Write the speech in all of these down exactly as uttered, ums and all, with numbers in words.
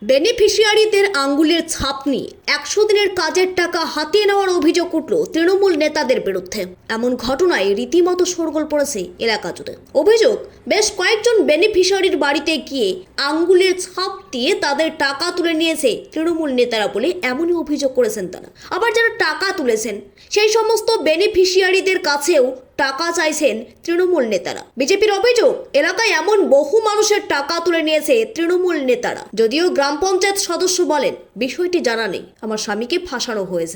বেনিফিশিয়ারিদের আঙ্গুলের ছাপ নিয়ে একশো দিনের কাজের টাকা হাতিয়ে নেওয়ার অভিযোগ উঠল তৃণমূল নেতাদের বিরুদ্ধে। এমন ঘটনায় রীতিমতো শোরগোল পড়েছে এলাকা জুড়ে। অভিযোগ, বেশ কয়েকজন বেনিফিশিয়ারির বাড়িতে গিয়ে আঙ্গুলের ছাপ দিয়ে তাদের টাকা তুলে নিয়েছে তৃণমূল নেতারা বলে এমনই অভিযোগ করেছেন তারা। আবার যারা টাকা তুলেছেন সেই সমস্ত বেনিফিশিয়ারিদের কাছেও টাকা চাইছেন তৃণমূল নেতারা। বিজেপির অভিযোগ, এলাকায় এমন বহু মানুষের টাকা তুলে নিয়েছে তৃণমূল নেতারা। যদিও গ্রাম পঞ্চায়েত সদস্য বলেন, বিষয়টি জানা নেই, আমার স্বামীকে ফাঁসানো হয়েছে।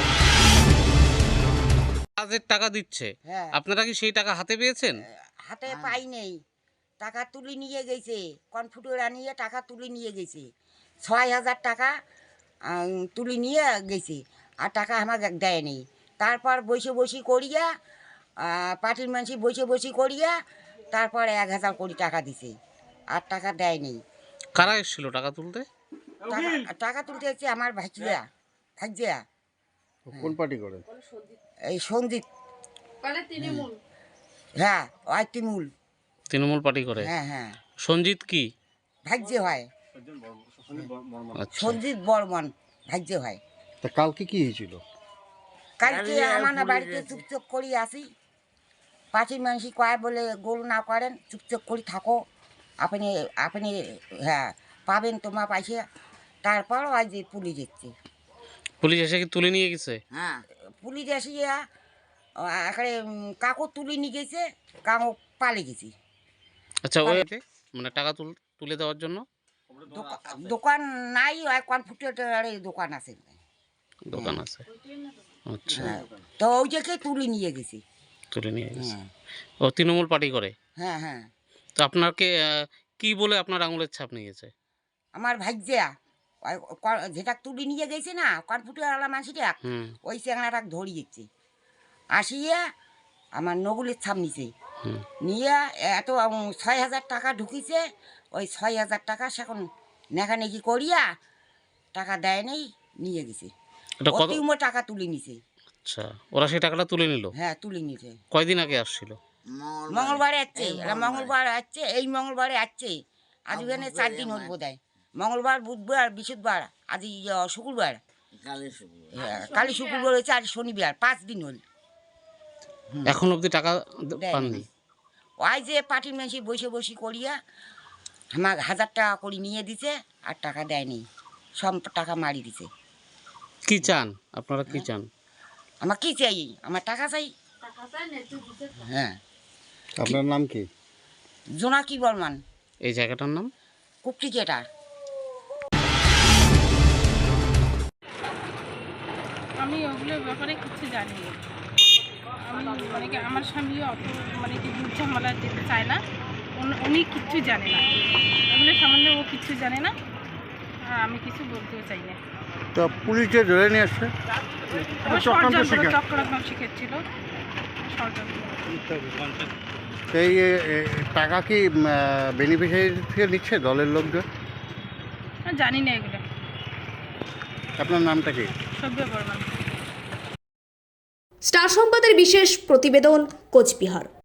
কাজের টাকা দিচ্ছে, হ্যাঁ। আপনারা কি সেই টাকা হাতে পেয়েছেন? হাতে পাই নেই, টাকা তুলে নিয়ে গেছে, কনফুটোরা নিয়ে টাকা তুলে নিয়ে গেছে, ছয় হাজার টাকা আম, তুলে নিয়ে গেছে, আর টাকা আমাকে দেয়নি। তারপর বসে বসে করিয়া পার্টির মানুষ বসে বসে করিয়া তারপর এক হাজার কোটি টাকা দিছে, আর টাকা দেয়নি। কারা এসেছিল টাকা তুলতে? টাকা টাকা তুলতে হচ্ছে আমার ভাইজিয়া ভাইজিয়া কোন পার্টি করে? এই সঞ্জিত, হ্যাঁ ওই তৃণমূল, তৃণমূল পার্টি করে। হ্যাঁ হ্যাঁ সঞ্জিত কি? ভাগ্যে হয়, আচ্ছা, সঞ্জিত বর্মন ভাগ্যে হয়। তা কালকে কি হয়েছিল? কালকে আমার না বাড়িতে চুপচাপ করি আসি, পাঁচির মানুষ কয় বলে গোল না করেন, চুপচাপ করি থাকো, আপনি আপনি হ্যাঁ পাবেন তোমার পাইছে। তারপর ওই যে পুলিশ এসছে। পুলিশ এসে কি তুলে নিয়ে গেছে? হ্যাঁ পুলিশ এসিয়া এখানে কাকু তুলে নিয়ে গেছে, কাকু পালে গেছি। আচ্ছা, ওই মানে টাকা তুল তুলে দেওয়ার জন্য দোকা- দোকান নাই, ওই কনফুটের দোকান আছে, দোকান আছে। আচ্ছা, হ্যাঁ তো ওই জায়গায় তুলে নিয়ে গেছি। তুলে নিয়ে গেছে। হ্যাঁ ও তৃণমূল পার্টি করে। হ্যাঁ হ্যাঁ তো আপনাকে আহ, কি বলে আপনার আঙুলের ছাপ নিয়ে গেছে? আমার ভাইজিয়া যেটা তুলে নিয়ে গেছে না কনফুটারওয়ালা মাসিটা, হুম ওই চ্যাংড়াটা ধরিয়েছে, আসিয়ে আমার নগুলের ছাপ নিছে, হুম নিয়ে এত উম, ছয় হাজার টাকা ঢুকিছে। ওই ছয় হাজার টাকা সেখন নেখানেকি করিয়া টাকা দেয় নেই, নিয়ে গেছে। এটা কত? অতিম টাকা তুলে নিছে। আচ্ছা, ওরা সেই টাকাটা তুলে নিল? হ্যাঁ তুলে নিছে। কয়দিন আগে আসছিল? মঙ্গলবারে আসছে, এরা মঙ্গলবার আসছে, এই মঙ্গলবারে আসছে, আজ ওখানে চার দিন হল বোধ হয়। মঙ্গলবার, বুধবার, বৃহস্পতিবার, আজ এই, আহ, শুক্রবার, হ্যাঁ, কালী শুক্রবার হয়েছে, আর শনিবার, পাঁচ দিন হল। এখন অবধি টাকা দ- দেয়নি। পাননি? ওই যে পার্টির মানুষ বসে বসে করিয়া আমার হাজার টাকা করে নিয়ে দিছে, আর টাকা দেয়নি, সব টাকা মারি দিছে। কি চান আপনারা, কি চান? আমার কি চাই? আমার টাকা চাই। হ্যাঁ, আপনার নাম কি? জোনাকি বর্মান, এই জায়গাটার নাম? কুপ্রিকেটার। আমি ওগুলোর ব্যাপারে কিছু জানি না। আমি মানে কি আমার স্বামীও অত মানে কি দুধ ঝামেলা যেতে চায় না, উনি- উনি কিচ্ছু জানে না, এগুলো সম্বন্ধে ও কিচ্ছু জানে না, আর আমি কিছু বলতেও চাই না। তো পুলিশ যে ধরে নিয়ে আসছে, ও ষড়যন্ত্র চক্রান্ত শিখেছিল, ষড়যন্ত্র। এই এ, এ, টাকা কি বেনিফিশিয়ারি থেকে নিচ্ছে দলের লোকজন? আমি জানি না এগুলো। আপনার নামটা কি? সভ্য বর্মন। স্টার সংবাদের বিশেষ প্রতিবেদন, কোচবিহার।